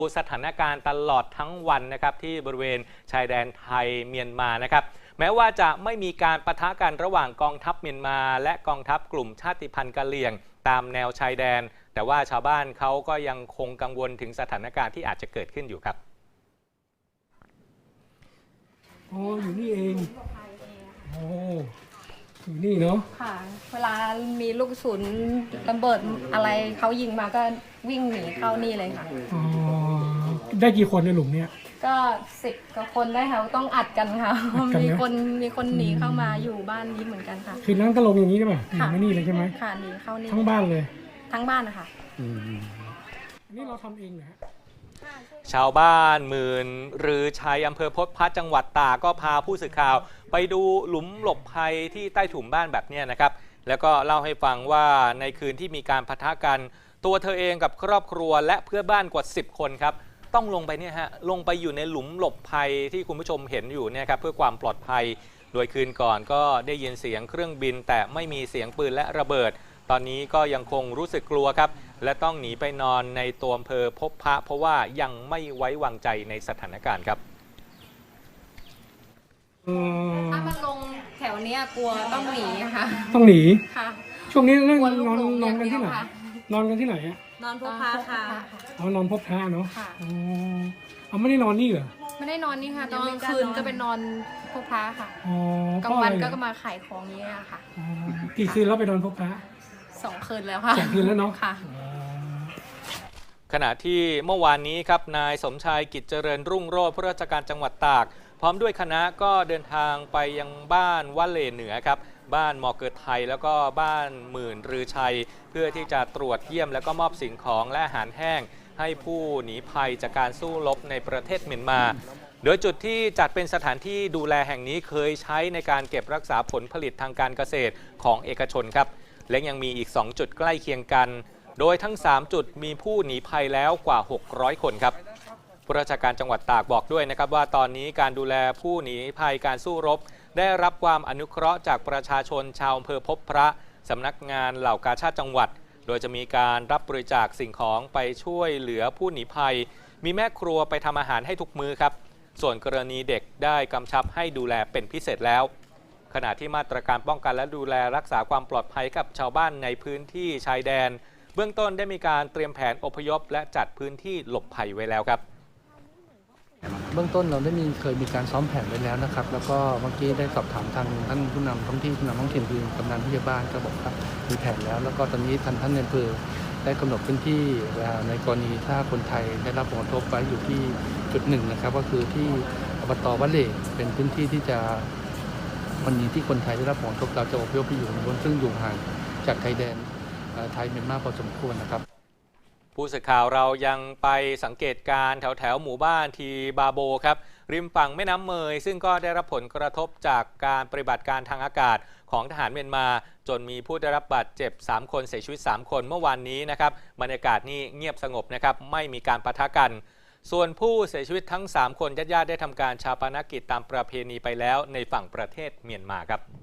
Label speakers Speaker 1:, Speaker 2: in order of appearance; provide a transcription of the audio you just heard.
Speaker 1: สถานการณ์ตลอดทั้งวันนะครับที่บริเวณชายแดนไทยเมียนมานะครับแม้ว่าจะไม่มีการปะทะกันระหว่างกองทัพเมียนมาและกองทัพกลุ่มชาติพันธุ์กะเหรี่ยงตามแนวชายแดนแต่ว่าชาวบ้านเขาก็ยังคงกังวลถึงสถานการณ์ที่อาจจะเกิดขึ้นอยู่ครับ
Speaker 2: อ๋ออยู่นี่เองโอ้อยู่นี่เนาะ
Speaker 3: ค่ะเวลามีลูกกระสุนระเบิดอะไรเขายิงมาก็วิ่งหนีเข้านี่เลยค่ะ
Speaker 2: อ๋อได้กี่คนในหลุมเนี่ย
Speaker 3: ก็10 กว่าคนได้ค่ะต้องอัดกันค่ะมีคนหนีเข้ามาอยู่บ้านนี้เหมือนกันค่ะ
Speaker 2: คือนั่งก็ลงอย่างนี้ใช่ไหมหนีไม่นี่เลยใช่ไหม
Speaker 3: ค่ะหนีเข้านี่
Speaker 2: ทั้งบ้านเลย
Speaker 3: ทั้งบ้านนะคะ
Speaker 2: อันนี้เราทำเองเหรอฮะ
Speaker 1: ชาวบ้านหมื่นหรือชัยอำเภอพบพระจังหวัดตากก็พาผู้สื่อข่าวไปดูหลุมหลบภัยที่ใต้ถุนบ้านแบบนี้นะครับแล้วก็เล่าให้ฟังว่าในคืนที่มีการปะทะกันตัวเธอเองกับครอบครัวและเพื่อนบ้านกว่า10 คนครับต้องลงไปเนี่ยฮะลงไปอยู่ในหลุมหลบภัยที่คุณผู้ชมเห็นอยู่เนี่ยครับเพื่อความปลอดภัยโดยคืนก่อนก็ได้ยินเสียงเครื่องบินแต่ไม่มีเสียงปืนและระเบิดตอนนี้ก็ยังคงรู้สึกกลัวครับและต้องหนีไปนอนในตัวอำเภอพบพระเพราะว่ายังไม่ไว้วางใจในสถานการณ์ครับ
Speaker 3: ถ้ามันลงแถวนี้กลัวต้องหนีค่ะ
Speaker 2: ต้องหนี
Speaker 3: ค่ะ
Speaker 2: ช่วงนี้นอนกันที่ไหนนอนกันที่ไหนอะ
Speaker 3: นอนพบพระค่ะ
Speaker 2: อ๋อนอนพบพระเนาะอ๋อไม่ได้นอนนี่เหรอ
Speaker 3: ไม่ได้นอนนี่ค่ะตอนกลางคืนก็เป็นนอนพบพระค่ะกลางวันก็มาขายของนี้ค่ะ
Speaker 2: กี่คืนแล้วไปนอนพบพระ
Speaker 3: 2 คืนแล้วค่ะ
Speaker 2: 2 คืนแล้วเนาะ
Speaker 3: ค่ะ
Speaker 1: ขณะที่เมื่อวานนี้ครับนายสมชายกิจเจริญรุ่งโรจน์ผู้ราชการจังหวัดตากพร้อมด้วยคณะก็เดินทางไปยังบ้านวะเลเหนือครับบ้านมอเกิดไทยแล้วก็บ้านหมื่นรือชัยเพื่อที่จะตรวจเยี่ยมแล้วก็มอบสิ่งของและอาหารแห้งให้ผู้หนีภัยจากการสู้รบในประเทศเมียนมาโดยจุดที่จัดเป็นสถานที่ดูแลแห่งนี้เคยใช้ในการเก็บรักษาผลผลิตทางการเกษตรของเอกชนครับและยังมีอีก2 จุดใกล้เคียงกันโดยทั้ง3 จุดมีผู้หนีภัยแล้วกว่า600 คนครับผู้ราชการจังหวัดตากบอกด้วยนะครับว่าตอนนี้การดูแลผู้หนีภัยการสู้รบได้รับความอนุเคราะห์จากประชาชนชาวอำเภอพบพระสำนักงานเหล่ากาชาดจังหวัดโดยจะมีการรับบริจาคสิ่งของไปช่วยเหลือผู้หนีภัยมีแม่ครัวไปทำอาหารให้ทุกมื้อครับส่วนกรณีเด็กได้กำชับให้ดูแลเป็นพิเศษแล้วขณะที่มาตรการป้องกันและดูแลรักษาความปลอดภัยกับชาวบ้านในพื้นที่ชายแดนเบื้องต้นได้มีการเตรียมแผนอพยพและจัดพื้นที่หลบภัยไว้แล้วครับ
Speaker 4: เบื้องต้นเราเคยมีการซ้อมแผนไว้แล้วนะครับแล้วก็เมื่อกี้ได้สอบถามทางท่านผู้นำท้องที่ผู้นำท้องถิ่นคือกำนันผู้ใหญ่บ้านก็บอกว่ามีแผนแล้วก็ตอนนี้ท่านในอำเภอได้กำหนดพื้นที่ในกรณีถ้าคนไทยได้รับผลกระทบไว้อยู่ที่จุด1นะครับก็คือที่อบต.วะเลเป็นพื้นที่ที่จะวันนี้ที่คนไทยได้รับผลกระทบเราจะอพยพไปอยู่บนซึ่งอยู่ห่างจากชายแดนไทยเมียนมาพอสมควรนะครับ
Speaker 1: ผู้สื่อข่าวเรายังไปสังเกตการแถวหมู่บ้านทีบาโบครับริมฝั่งแม่น้ำเมยซึ่งก็ได้รับผลกระทบจากการปฏิบัติการทางอากาศของทหารเมียนมาจนมีผู้ได้รับบาดเจ็บ3 คนเสียชีวิต3 คนเมื่อวานนี้นะครับบรรยากาศนี่เงียบสงบนะครับไม่มีการปะทะกันส่วนผู้เสียชีวิตทั้ง3 คนญาติๆได้ทำการชาปนกิจตามประเพณีไปแล้วในฝั่งประเทศเมียนมาครับ